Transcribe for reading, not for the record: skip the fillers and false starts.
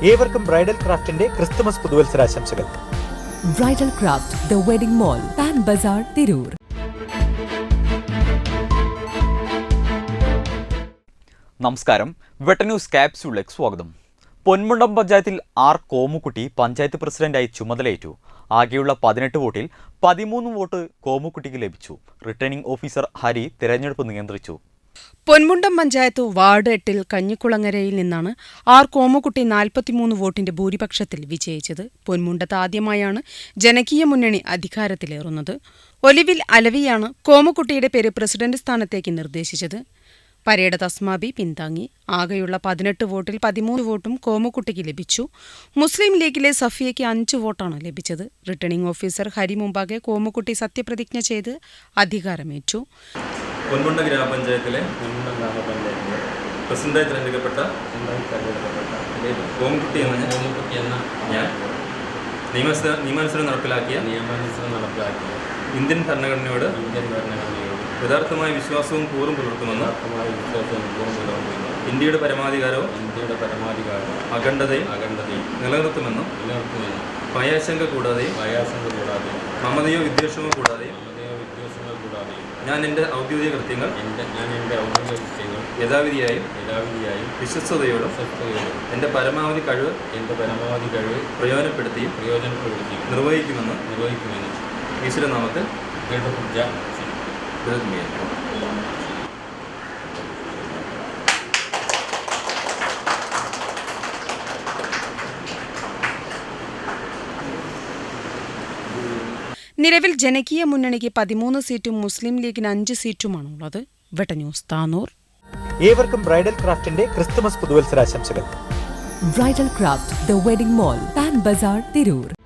ഏവർക്കും ബ്രൈഡൽ ക്രാഫ്റ്റിന്റെ ക്രിസ്തുമസ് പുതുവത്സരാശംസകൾ. Bridal craft, the wedding mall, Pan Bazar, Tirur. നമസ്കാരം. വെട്ടന്യൂസ് ക്യാപ്സ്യൂളിലേക്ക് സ്വാഗതം. പൊന്മുണ്ടം പഞ്ചായത്തിൽ ആർ കോമുക്കുട്ടി പഞ്ചായത്ത് പ്രസിഡന്റായി ചുമതലയേറ്റു. ആകെയുള്ള 18 വോട്ടിൽ 13 വോട്ട് കോമുക്കുട്ടിക്ക് ലഭിച്ചു. റിട്ടേണിംഗ് ഓഫീസർ ഹരി തെരഞ്ഞെടുപ്പ് നിയന്ത്രിച്ചു. പൊന്മുണ്ടം പഞ്ചായത്ത് വാർഡ് 8 കഞ്ഞിക്കുളങ്ങരയിൽ നിന്നാണ് ആർ കോമുക്കുട്ടി 43 വോട്ടിന്റെ ഭൂരിപക്ഷത്തിൽ വിജയിച്ചത്. പൊന്മുണ്ടത്ത് ആദ്യമായാണ് ജനകീയ മുന്നണി അധികാരത്തിലേറുന്നത്. ഒലിവിൽ അലവിയാണ് കോമുക്കുട്ടിയുടെ പേര് പ്രസിഡന്റ് സ്ഥാനത്തേക്ക് നിർദ്ദേശിച്ചത്. പരേഡ് തസ്മാബി പിന്താങ്ങി. ആകെയുള്ള 18 വോട്ടിൽ 13 വോട്ടും കോമുക്കുട്ടിക്ക് ലഭിച്ചു. മുസ്ലിം ലീഗിലെ സഫിയയ്ക്ക് 5 വോട്ടാണ് ലഭിച്ചത്. റിട്ടേണിംഗ് ഓഫീസർ ഹരി മുമ്പാകെ കോമുക്കുട്ടി സത്യപ്രതിജ്ഞ ചെയ്ത് അധികാരമേറ്റു. പൊന്മുണ്ടം ഗ്രാമപഞ്ചായത്തിലെ പ്രസിഡന്റായി തിരഞ്ഞെടുക്കപ്പെട്ട കോമുക്കുട്ടി എന്ന ഞാൻ നിയമാനുസരണം നടപ്പിലാക്കിയ ഇന്ത്യൻ ഭരണഘടനയോട് യഥാർത്ഥമായ വിശ്വാസവും കൂറും പുലർത്തുമെന്ന് ഇന്ത്യയുടെ പരമാധികാരവും അഖണ്ഡതയും നിലനിർത്തുമെന്നും ഭയാശങ്ക കൂടാതെ മമതയോ വിദ്വേഷമോ കൂടാതെ ഞാൻ എൻ്റെ ഔദ്യോഗിക കൃത്യങ്ങൾ യഥാവിധിയായും വിശ്വസ്തയോടും എൻ്റെ പരമാവധി കഴിവ് പ്രയോജനപ്പെടുത്തി നിർവഹിക്കുമെന്ന് ഈശ്വരനാമത്തിൽ നിലവിൽ ജനകീയ മുന്നണിക്ക് 13 സീറ്റും മുസ്ലിം ലീഗിന് 5 സീറ്റുമാണുള്ളത്. വെട്ടന്യൂസ് താനൂർ. ഏവർക്കും ബ്രൈഡൽ ക്രാഫ്റ്റിന്റെ ക്രിസ്തുമസ് പുതുവത്സരാശംസകൾ. Bridal craft, the wedding mall, Pan Bazar, Tirur.